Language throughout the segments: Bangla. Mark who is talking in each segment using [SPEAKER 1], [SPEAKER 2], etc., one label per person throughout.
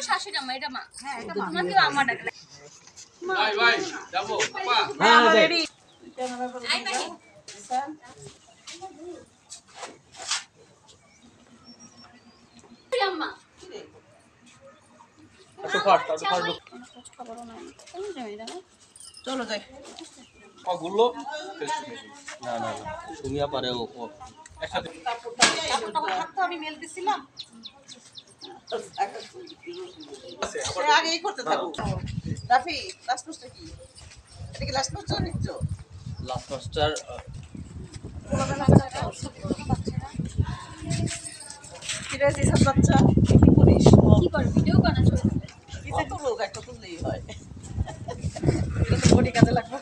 [SPEAKER 1] শাশুড়ি আম্মা, এটা মা। তোমাকেও আম্মা ডাকলে।
[SPEAKER 2] ভাই ভাই যাবো আপা
[SPEAKER 3] হ্যাঁ রেডি
[SPEAKER 1] আই ভাই। আম্মা।
[SPEAKER 3] একটু ফাট
[SPEAKER 1] খবরও নাই। কোন যাই দাও?
[SPEAKER 3] চলো যাই
[SPEAKER 2] গুলো
[SPEAKER 3] না না না সুমিয়া পারে ও
[SPEAKER 2] একসাথে
[SPEAKER 4] আমি মেল দিছিলাম আগেই করতে থাকো রাফি লাস্ট পোস্টটা কি এটা কি লাস্ট পোস্টটা নিচ্ছো
[SPEAKER 3] লাস্ট মাস্টার
[SPEAKER 4] কিরে যেসব বাচ্চা কি করিস
[SPEAKER 1] কি কর ভিডিও বানা চলে যাবে।
[SPEAKER 4] কত লোক একটা তুললেই হয় এটা তো বডি কাজে লাগবে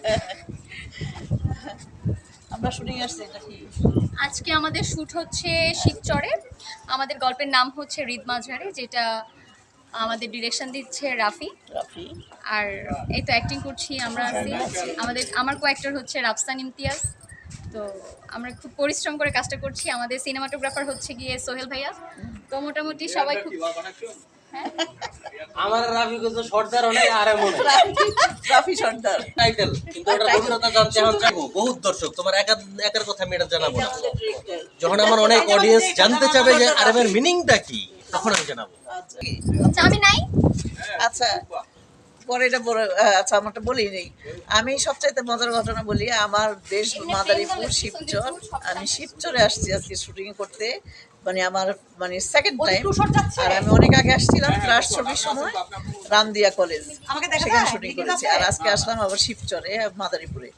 [SPEAKER 4] আমরা শুটিং আসছি এটা কি
[SPEAKER 1] আজকে আমাদের শুট হচ্ছে শিবচরে। আমাদের গল্পের নাম হচ্ছে হৃদ মাঝারে, যেটা আমাদের ডিরেকশন দিচ্ছে রাফি।
[SPEAKER 4] রাফি
[SPEAKER 1] আর এই তো অ্যাক্টিং করছি আমরা আছি। আমার কো-অ্যাক্টর হচ্ছে রাফসান ইমতিয়াজ। তো আমরা খুব পরিশ্রম করে কাজটা করছি। আমাদের সিনেমাটোগ্রাফার হচ্ছে গিয়ে সোহেল ভাইয়া। তো মোটামুটি সবাই খুব হ্যাঁ
[SPEAKER 3] আমার রাফি কত সর্দার অনেক আরে মনে
[SPEAKER 4] রাফি সর্দার
[SPEAKER 3] টাইটেল কিন্তু ওটা গভীরতা জানতে এখন চাইবো বহুত দর্শক তোমার একার কথা আমি এটা জানাবো না যখন আমার অনেক অডিয়েন্স জানতে চাবে যে আরবের মিনিংটা কি তখন আমি জানাবো
[SPEAKER 1] আচ্ছা আমি নাই।
[SPEAKER 4] আচ্ছা পরে এটা আচ্ছা আমারটা বলি নেই আমি সবচাইতে মজার ঘটনা বলি আমার দেশ মাদারীপুর শিবচর আমি শিবচরে আসছি আজকে শুটিং করতে মানে আমার মানে সেকেন্ড টাইম আর আমি অনেক আগে আসছিলাম ক্লাস ছবির সময় রামদিয়া কলেজ সেখানে শুটিং করেছি আর আজকে আসলাম আবার শিবচরে মাদারীপুরে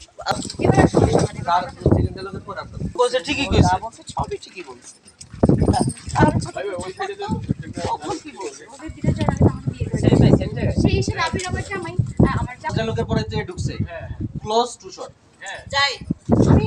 [SPEAKER 3] কইছে ঠিকই কইছে
[SPEAKER 4] সবই ঠিকই বলছে আর আমি ছোট
[SPEAKER 2] ওই সাইডে
[SPEAKER 4] কখন কি বলছে
[SPEAKER 1] ওদের বিরাট জায়গা আমাকে বিয়ে করে সেই হিসেবে রাফির আমার জামাই। আমার জামাই
[SPEAKER 3] লোকের পরে তুই ঢুকছে
[SPEAKER 2] হ্যাঁ
[SPEAKER 3] ক্লোজ টু শট
[SPEAKER 2] হ্যাঁ
[SPEAKER 4] যাই
[SPEAKER 1] আমি